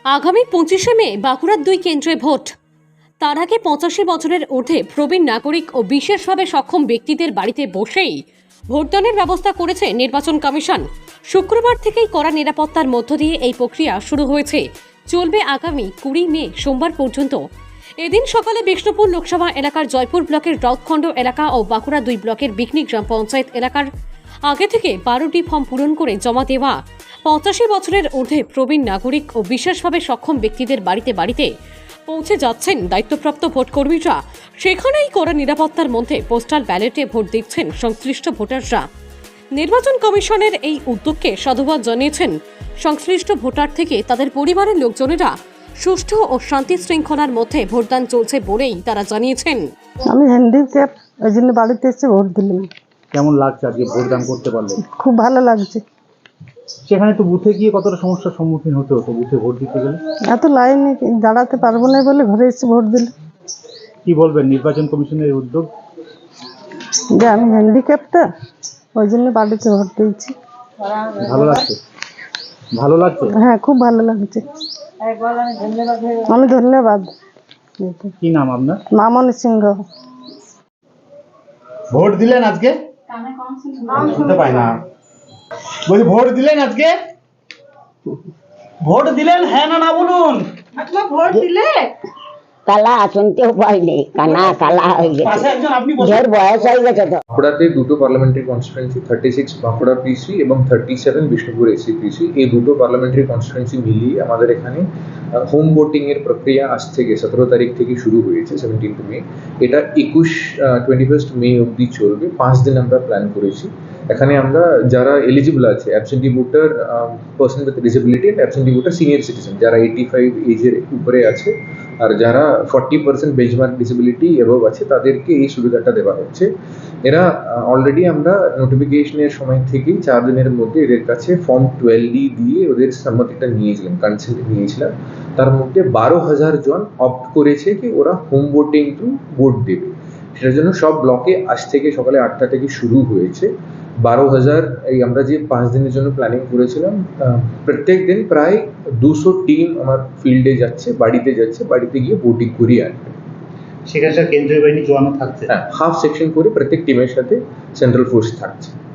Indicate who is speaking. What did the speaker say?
Speaker 1: আগামী 25শে মে বাঁকুড়ার 2 কেন্দ্রে ভোট। তার আগে 85 বছরের ঊর্ধ্বে প্রবীণ নাগরিক ও বিশেষভাবে সক্ষম ব্যক্তিদের বাড়িতে বসেই ভোটদানের ব্যবস্থা করেছে নির্বাচন কমিশন। শুক্রবার থেকেই কড়া নিরাপত্তার মধ্য দিয়ে এই প্রক্রিয়া শুরু হয়েছে, চলবে আগামী 20 মে সোমবার পর্যন্ত। এদিন সকালে বিষ্ণুপুর লোকসভা এলাকার জয়পুর ব্লকের রথখণ্ড এলাকা ও বাঁকুড়া 2 ব্লকের বিকনি গ্রাম পঞ্চায়েত এলাকার আগে থেকে 12টি ফর্ম পূরণ করে জমা দেওয়া 85 বছরের ঊর্ধ্বে প্রবীণ নাগরিক ও বিশেষভাবে সক্ষম ব্যক্তিদের বাড়িতে বাড়িতে পৌঁছে যাচ্ছেন দায়িত্বপ্রাপ্ত ভোটকর্মীরা। সেখানেই কড়া নিরাপত্তার মধ্যে পোস্টাল ব্যালটে ভোট দিচ্ছেন সংশ্লিষ্ট ভোটাররা। নির্বাচন কমিশনের এই উদ্যোগকে সাধুবাদ জানিয়েছেন সংশ্লিষ্ট ভোটার থেকে তাদের পরিবারের লোকজনেরা। সুষ্ঠু ও শান্তি শৃঙ্খলার মধ্যে ভোটদান চলছে বলেই তারা জানিয়েছেন।
Speaker 2: আমি হ্যান্ডিক্যাপ, ওই জন্য বাড়িতে এসে ভোট দিলাম।
Speaker 3: কেমন লাগছে আজকে ভোটদান করতে পারলে?
Speaker 2: খুব ভালো লাগছে।
Speaker 3: সেখানে তো বুথে গিয়ে কতটা সমস্যার সম্মুখীন হতে হতো বুথে ভোট দিতে গেলে?
Speaker 2: এত লাইনে দাঁড়াতে পারবো না বলে ঘরে এসে ভোট দিলাম।
Speaker 3: কি বলবেন নির্বাচন কমিশনের উদ্যোগ?
Speaker 2: যে আমি হ্যান্ডিক্যাপটা, ওই জন্য বাড়িতে ভোট দিয়েছি।
Speaker 3: ভালো লাগছে? ভালো লাগছে?
Speaker 2: হ্যাঁ, খুব ভালো লাগছে। আমি ধন্যবাদ।
Speaker 3: কি নাম আপনার?
Speaker 2: মামনি সিংহ।
Speaker 3: ভোট দিলেন আজকে? শুনতে পাই না। বলছি ভোট দিলেন আজকে? ভোট দিলেন, হ্যাঁ না না বলুন।
Speaker 2: ভোট দিলে
Speaker 4: কালা শুনতেও পাইনি, কানা কালা হয়ে গেছে,
Speaker 3: পাশে একজন আপনি
Speaker 4: ঢের বয়স হয়ে গেছে তো।
Speaker 5: বাঁকুড়াতে দুটো পার্লামেন্টারি কনস্টিটুয়েন্সি 36 বাঁকুড়া পিসি এবং 37 বিষ্ণুপুর এসি পিসি, এই দুটো পার্লামেন্টারি কনস্টিটুয়েন্সি মিলিয়ে আমাদের এখানে হোম ভোটিং এর প্রক্রিয়া আজ থেকে 17 তারিখ থেকে শুরু হয়েছে, 17 মে। এটা 21 মে অবধি চলবে। 5 দিন আমরা প্ল্যান করেছি। এখানে আমরা যারা এলিজিবল আছে, absentee voter, person with disability and absentee voter senior citizen যারা 85 এজের উপরে আছে আর যারা 40% বেঞ্চমার্ক ডিসেবিলিটি এভাব আছে, তাদেরকে এই সুবিধাটা দেওয়া হচ্ছে। এরা অলরেডি আমরা নোটিফিকেশনের সময় থেকেই 4 দিনের মধ্যে এদের কাছে ফর্ম 12D দিয়ে ওদের সম্মতিটা নিয়েছিলাম, কনসেন্ট নিয়েছিলাম। তার মধ্যে 12,000 জন অপ্ট করেছে কি ওরা হোম ভোটিং থ্রু ভোট দেবে। সেটার জন্য সব ব্লকে আজ থেকে সকালে 8টা থেকে শুরু হয়েছে। 12,000 এই আমরা যে 5 দিনের জন্য প্ল্যানিং করেছিলাম, প্রত্যেক দিন প্রায় 200 টিম আমার ফিল্ডে যাচ্ছে, বাড়িতে গিয়ে ভোটিং করিয়ে আনবে।
Speaker 3: সেখানে কেন্দ্রীয় বাহিনী জওয়ানও থাকছে?
Speaker 5: হ্যাঁ, হাফ সেকশন করে প্রত্যেক টিমের সাথে সেন্ট্রাল ফোর্স থাকছে।